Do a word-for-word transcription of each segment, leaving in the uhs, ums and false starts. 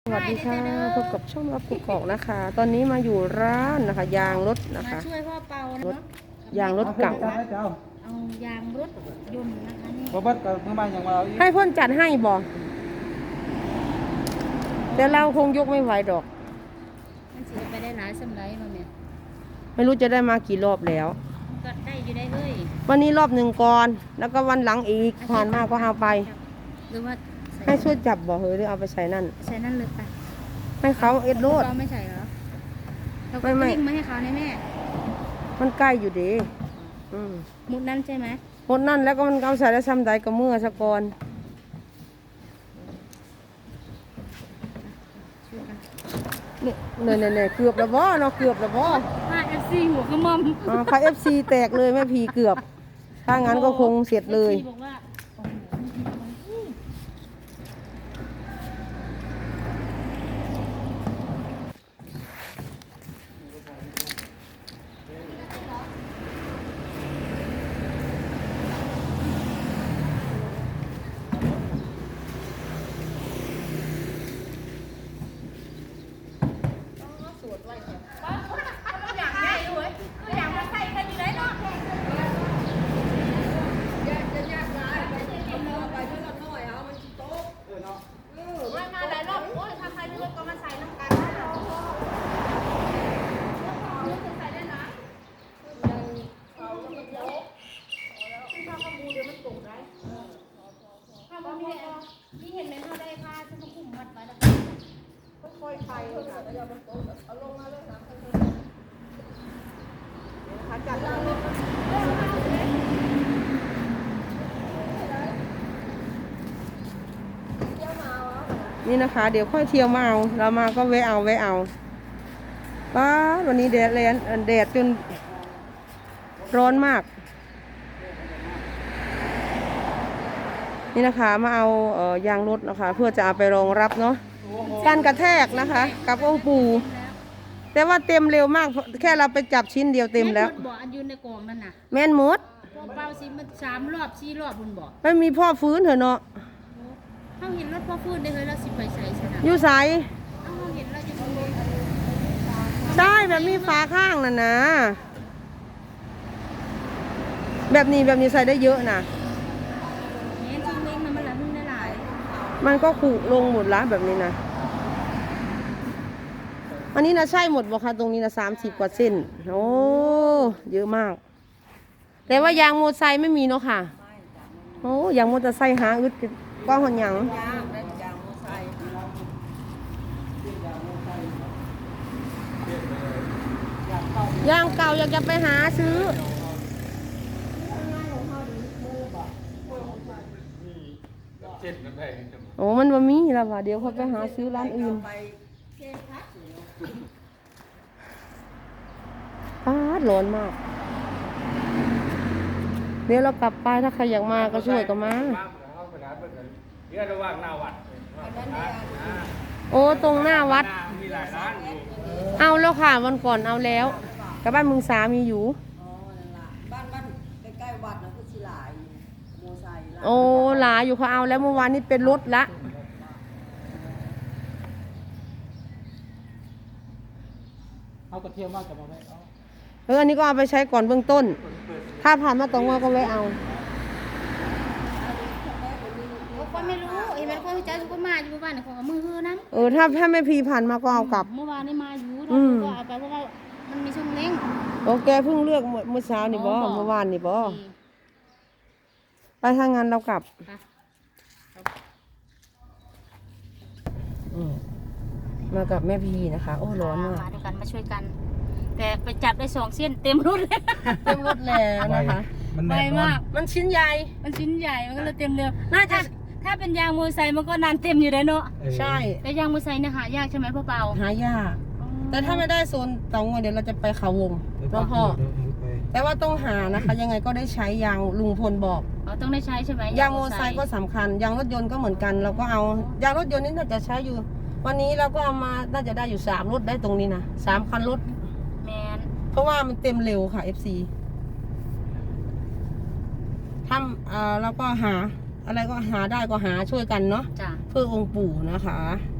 สวัสดีค่ะพบกับช่องรับกุกอกนะคะ ตอนนี้มาอยู่ร้านนะคะยางรถนะคะมาช่วยพ่อเปานะรถยางรถเก่าเอายางรถยนต์นะคะนี่บ่เบิดกับเมื่อวานอย่างมาเอาอีกให้เพ่นจัดให้บอกแต่เราคงยกไม่ไหวดอกมันสิไปได้หลายสำไรมาเนี่ยไม่รู้จะได้มากี่รอบแล้วก็ได้อยู่ได้เลยวันนี้รอบหนึ่งก่อนแล้วก็วันหลังอีกผ่านมาก็เอาไปหรือว่าให้ช่วยจับบอกเฮ้ยหรือเอาไปใส่นั่นใส่นั่นเลยไปให้เขาเอ็ดโรดเราไม่ใส่เหรอเราก็ไม่ไม่วิ่งมาให้เขาในแม่มันใกล้อยู่ดีอืมมุดนั่นใช่ไหมหมดนั่นแล้วก็มันเอาใส่แล้วซ้ำใดก็เมื่อสะกอนช่วยกันเนี่ยเนี่ยเนี่ยเกือบแล้วบ่เนาะเกือบแล้วบ่มาเอฟซีหัวกระมอมอ่าพาเอฟซีแตกเลยแม่พีเกือบ ถ้างั้นก็คงเสร็จเลยอฟซีบอกว่าโอ้โห นี่เห็นไหมเขาได้ผ้าที่เขาคุมมัดไว้แล้วค่อยๆไปค่ะแล้วเอามันโต๊ะเอาลงมาเลยนะค่อยๆจัดเลยนี่นะคะ เดี๋ยวค่อยเที่ยวมาเอาเรามาก็แวะเอาแวะเอาป้าวันนี้แดดแรงแดดจนร้อนมากนี่นะคะมาเอาเอ่อยางรถนะคะ เพื่อจะเอาไปรองรับเนาะการกระแทกนะคะ กับองค์ปู่แต่ว่าเต็มเร็วมากแค่เราไปจับชิ้นเดียวเต็มแล้วแม่นหดบ่อันยืนในกล่องนั่นน่ะแม่นหมดพอเป่าสิมันสามรอบสี่รอบบุญบอกไม่มีพ่อฟื้นเถอะเนาะเขาเห็นรถพ่อฟื้นได้เลยแล้วสิไปใส่สนามอยู่ใสเอาเขาเห็นแล้วจะไปใช่แบบมีฝาข้างน่ะนะแบบนี้แบบนี้ใส่ได้เยอะนะเห็นจริงเล้งมันมันละมึงได้หลายมันก็ขูลงหมดละแบบนี้นะอันนี้นะใช่หมดบ่คะตรงนี้นะสามสิบกว่าเส้นโอ้เยอะมาก แต่ว่ายางมอเตอร์ไซค์ไม่มีเนาะค่ะโอ้ยางมอเตอร์ไซค์หาอึดกว้างหันหยังยางเก่าอยากจะไปหาซื้อโอ้มันบ่มีแล้วว่ะเดี๋ยวเขาไปหาซื้อร้านอื่นป้าดร้อนมาก เดี๋ยวเรากลับไปถ้าใครอยากมาก็ช่วยก็มาโอ้ตรงหน้าวัดเอาแล้วค่ะวันก่อนเอาแล้วกับบ้านมึงสามีอยู่บ้านบ้านใกล้ๆวัดนะคือสิหลายโมไซค์โอ้หลายอยู่เขาเอาแล้วเมื่อวานนี้เป็นรถละเอากระเทียมมากกับมาไว้เอาเอออันนี้ก็เอาไปใช้ก่อนเบื้องต้น ถ้าผ่านมาตรงว่าก็ไว้เอาคนไม่รู้เห็นไหมคนใจสุกมาอยู่บ้านของมือฮือนั้นเออถ้าถ้าไม่พีผ่านมาก็เอากลับเมื่อวานนี้มาอยู่อืเรามก็เอาไปเพราะว่ามันมีช่องเล้งโอเคเพิ่งเลือกเมื่อเมื่อเช้านี่บ่อ๋อเมื่อวานนี่บ่โอเคไปทางงานเรากลับไปอืมมากับแม่พีนะคะ โอ้ร้อนมากมาด้วยกันมาช่วยกัน แต่ไปจับได้สองเส้นเต็มรุ่นเลยเต็มรถแล้วนะคะมันไวแน่นอมาน กมันชิ้นใหญ่มันชิ้นใหญ่มันก็เลยเต็มเร็วน่าจะถ้ถ้าเป็นยางมอเตอร์ไซค์มันก็นานเต็มอยู่เลยเนาะเออใช่แต่ยางมอเตอร์ไซค์เนี่ยหายากใช่ไหมพ่อเปาหายาก แต่ถ้าไม่ได้โซนเตางอยเดี๋ยวเราจะไปเขาวงเดี๋ยวเนาะพ่อเดี๋ยวเดี๋ยวไปแต่ว่าต้องหานะคะ ยังไงก็ได้ใช้ยางลุงพลบอกเราต้องได้ใช้ใช่ไหมยางมอเตอร์ไซค์ก็สำคัญ ยางรถยนต์ก็เหมือนกัน เราก็เอายางรถยนต์นี่น่าจะใช้อยู่ วันนี้เราก็เอามาน่าจะได้อยู่สามรถได้ตรงนี้นะสามคันรถแมนเพราะว่ามันเต็มเร็วค่ะ เอฟ ซี ทำเอ่อแล้วก็หา อะไรก็หาได้ก็หาช่วยกันเนาะจ้ะเพื่อองค์ปู่นะคะ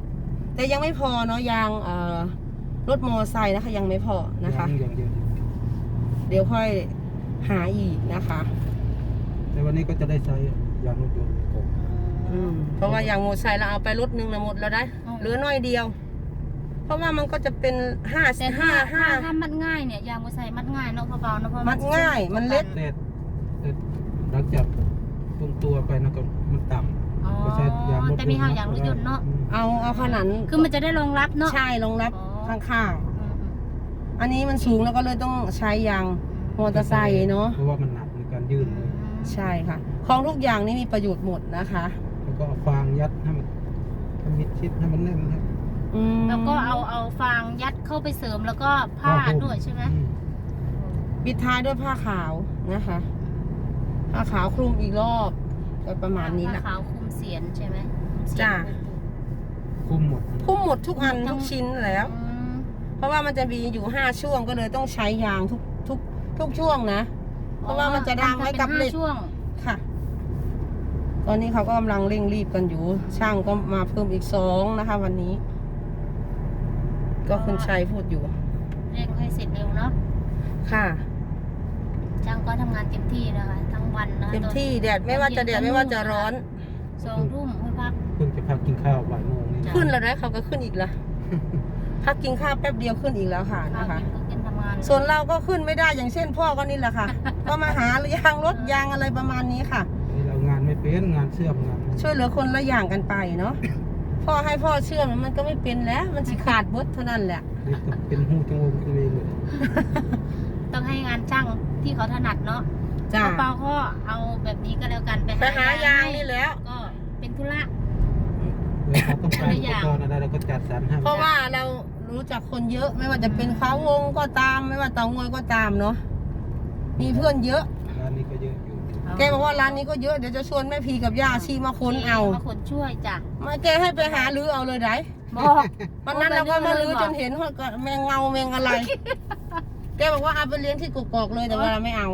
แต่ยังไม่พอเนาะยางเอ่อรถมอไซค์นะคะยังไม่พอนะคะยังยังเดี๋ยวค่อยหาอีกนะคะแต่วันนี้ก็จะได้ใช้ยางรถยนต์ผมอืมเพราะว่ายางมอไซค์เราเอาไปรถหนึงนะหมดแล้วได้เหลือน้อยเดียว เพราะว่ามันก็จะเป็นห้าแต่ห้าถ้าห้าถ้าถ้ามัดง่ายเนี่ยยางมอเตอร์ไซค์มัดง่ายเนาะเบาๆเนาะเพราะมัดง่ายมันเล็กแต่แต่หลังจากตรงตัวไปนะก็มันต่อ๋อำก็ใช้ยางรถยนต์แต่มีห้างยางรถยนต์เนาะอืมเอาเอาขนาดคือมันจะได้รองรับเนาะใช่รองรับอ๋อข้างอืมๆ อันนี้มันสูงแล้วก็เลยต้องใช้ยางมอเตอร์ไซค์เนาะเพราะว่ามันหนักในการยืนเลยใช่ค่ะ ของทุกอย่างนี่มีประโยชน์หมดนะคะแล้วก็เอาฟางยัดให้มันให้มิดชิดให้มันแน่นครับอืมแล้วก็เอาเอาฟางยัดเข้าไปเสริมแล้วก็ผ้าหุ้มด้วยใช่ไหมอืมปิดท้ายด้วยผ้าขาวนะคะ ผ้าขาวคลุมอีกรอบก็ประมาณนี้แหผ้าละขาวคลุมเสียนใช่ไหมคลุมเสียนจ้ะคุมหมดคลุมหมดทุกอันทุกชิ้นแล้วอืมเพราะว่ามันจะมีอยู่ห้าช่วงก็เลยต้องใช้ยางทุกทุกทุกช่วงนะ เพราะว่ามันจะดังไว้กับเหล็กทำป็นห้าช่วงค่ะ ตอนนี้เขาก็กำลังเร่งรีบกันอยู่ ช่างก็มาเพิ่มอีกสองนะคะ วันนี้ ก็คุณชัยพูดอยู่เร่งให้เสร็จเร็วเนาะค่ะช่างก็ทำงานเต็มที่นะคะทั้งวันนะเต็มที่แดดไม่ว่าจะแดดไม่ว่าจะร้อนสองทุ่มค่อยพักเพิ่งจะพักกินข้าวบ่ายโมงนี่จ้ะขึ้นแล้วนะเขาก็ขึ้นอีกละ พักกินข้าวแป๊บเดียวขึ้นอีกแล้วค่ะข้าวนะคะกินก็กินทำงานส่วนเราก็ขึ้นไม่ได้อย่างเช่นพ่อก็นี่แหละค่ะ ก็มาหายางรถยางอะไรประมาณนี้ค่ะนี่เรางานไม่เป็นงานเชื่อมงานช่วยเหลือคนละอย่างกันไปเนาะ พ่อให้พ่อเชื่อมมันก็ไม่เป็นแล้ว มันสิขาดบดเท่านั้นแหละนี่ก็เป็นหูจมูกจมูกเลยต้องให้งานช่างที่เขาถนัดเนาะจ้าเปาๆก็เอาแบบนี้ก็แล้วกันไปไปหายางนี่แล้วก็เป็นธุระเวลาต้องการอุปกรณ์อะไรเราก็จัดสรรให้เพราะว่าเรารู้จักคนเยอะไม่ว่าจะเป็นเขาวงก็ตาม ไม่ว่าเตางอยก็ตามเนาะ มีเพื่อนเยอะร้านนี้ก็เยอะอยู่แกบอกว่าร้านนี้ก็เยอะเดี๋ยวจะชวนแม่พีกับย่าชีมาค้นเอามาคนช่วยจ้ะมาแกให้ไปหาลือเอาเลยได้บอกวันนั้นเราก็มาลือจนเห็นว่าแมงเงาแมงอะไร แกบอกว่าเอาไปเลี้ยงที่กกอกเลยแต่ว่าเราไม่เอา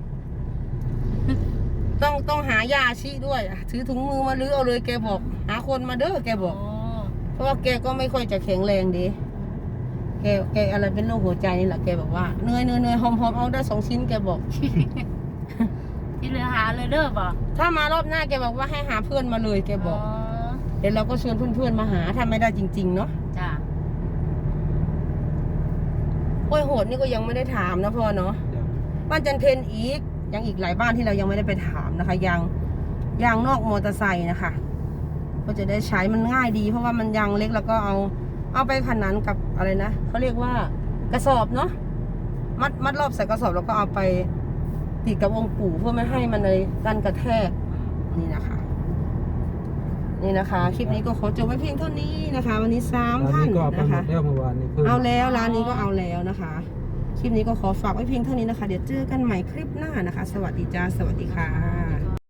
ต้องต้องหายาชีด้วยถือถุงมือมาลือเอาเลยแกบอก หาคนมาเด้อแกบอกโอ้เพราะว่าแกก็ไม่ค่อยจะแข็งแรงดี แกแกอะไรเป็นโรคหัวใจนี่แหละแกบอกว่าเหนื่อยเหนื่อยเหนื่อยหอมหอมเอาได้สองชิ้นแกบอกที่เหลือหาเลยเด้อบอกถ้ามารอบหน้าแกบอกว่าให้หาเพื่อนมาเลยแกบอก เดี๋ยวเราก็ชวนเพื่อนๆมาหาถ้าไม่ได้จริงๆเนาะจ้ะโอ้ยโหดนี่ก็ยังไม่ได้ถามนะพ่อเนาะอย่างบ้านจันเพนอีกยังอีกหลายบ้านที่เรายังไม่ได้ไปถามนะคะยางยางนอกมอเตอร์ไซค์นะคะ ก็จะได้ใช้มันง่ายดี เพราะว่ามันยางเล็กแล้วก็เอา เอาไปขนานกับอะไรนะเขาเรียกว่ากระสอบเนาะมัดมัดรอบใส่กระสอบแล้วก็เอาไปติดกับองค์ปู่เพื่อไม่ให้มันเลยกันกระแทกนี่นะคะ นี่นะคะ คลิปนี้ก็ขอจบไว้เพียงเท่านี้นะคะ วันนี้สามร้านท่านนี้ก็เอาไปนะหมคะดแล้วเมื่อวานนี้เพิ่มเอาแล้วร้านนี้ก็เอาแล้วนะคะ คลิปนี้ก็ขอฝากไว้เพียงเท่านี้นะคะ เดี๋ยวเจอกันใหม่คลิปหน้านะคะ สวัสดีจ้า สวัสดีค่ะ